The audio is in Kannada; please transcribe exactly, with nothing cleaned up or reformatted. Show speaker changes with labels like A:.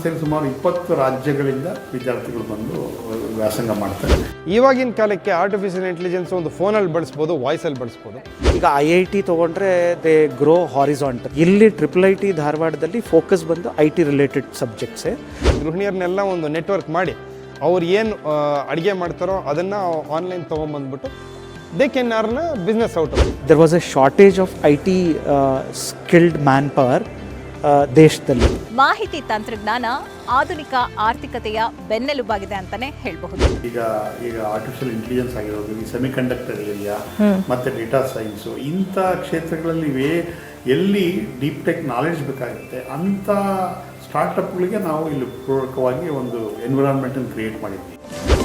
A: ಸಂಸ್ಥೆಯಲ್ಲಿ ಸುಮಾರು ಇಪ್ಪತ್ತು ರಾಜ್ಯಗಳಿಂದ ವಿದ್ಯಾರ್ಥಿಗಳು ಬಂದು ವ್ಯಾಸಂಗ ಮಾಡ್ತಾರೆ.
B: ಇವಾಗಿನ ಕಾಲಕ್ಕೆ ಆರ್ಟಿಫಿಷಿಯಲ್ ಇಂಟೆಲಿಜೆನ್ಸ್ ಒಂದು ಫೋನಲ್ಲಿ ಬಳಸ್ಬೋದು, ವಾಯ್ಸಲ್ಲಿ ಬಳಸ್ಬೋದು.
C: ಈಗ ಐ ಐ ಟಿ ತೊಗೊಂಡ್ರೆ ದೇ ಗ್ರೋ ಹಾರಿಸಾಂಟಲ್. ಇಲ್ಲಿ ಟ್ರಿಪಲ್ ಐ ಟಿ ಧಾರವಾಡದಲ್ಲಿ ಫೋಕಸ್ ಬಂದು ಐ ಟಿ ರಿಲೇಟೆಡ್ ಸಬ್ಜೆಕ್ಟ್ಸೇ.
B: ಗೃಹಿಣಿಯರನ್ನೆಲ್ಲ ಒಂದು ನೆಟ್ವರ್ಕ್ ಮಾಡಿ ಅವ್ರು ಏನು ಅಡುಗೆ ಮಾಡ್ತಾರೋ ಅದನ್ನು ಆನ್ಲೈನ್ ತೊಗೊಂಬಂದ್ಬಿಟ್ಟು they can earn business out of.
C: There was a shortage of I T skilled manpower ದೇಶದಲ್ಲಿ.
D: ಮಾಹಿತಿ ತಂತ್ರಜ್ಞಾನ ಆಧುನಿಕ ಆರ್ಥಿಕತೆಯ ಬೆನ್ನೆಲುಬಾಗಿದೆ ಅಂತಾನೆ ಹೇಳಬಹುದು.
A: ಈಗ ಈಗ ಆರ್ಟಿಫಿಷಿಯಲ್ ಇಂಟೆಲಿಜೆನ್ಸ್ ಆಗಿರೋದು, ಈ ಸೆಮಿ ಕಂಡಕ್ಟರ್ ಏರಿಯಾ ಮತ್ತು ಡೇಟಾ ಸೈನ್ಸು, ಇಂಥ ಕ್ಷೇತ್ರಗಳಲ್ಲಿ ವೇ ಎಲ್ಲಿ ಡೀಪ್ ಟೆಕ್ ನಾಲೆಡ್ಜ್ ಬೇಕಾಗುತ್ತೆ ಅಂಥ ಸ್ಟಾರ್ಟಪ್ಗಳಿಗೆ ನಾವು ಇಲ್ಲಿ ಪೂರಕವಾಗಿ ಒಂದು ಎನ್ವಿರಾನ್ಮೆಂಟನ್ನು ಕ್ರಿಯೇಟ್ ಮಾಡಿದ್ವಿ.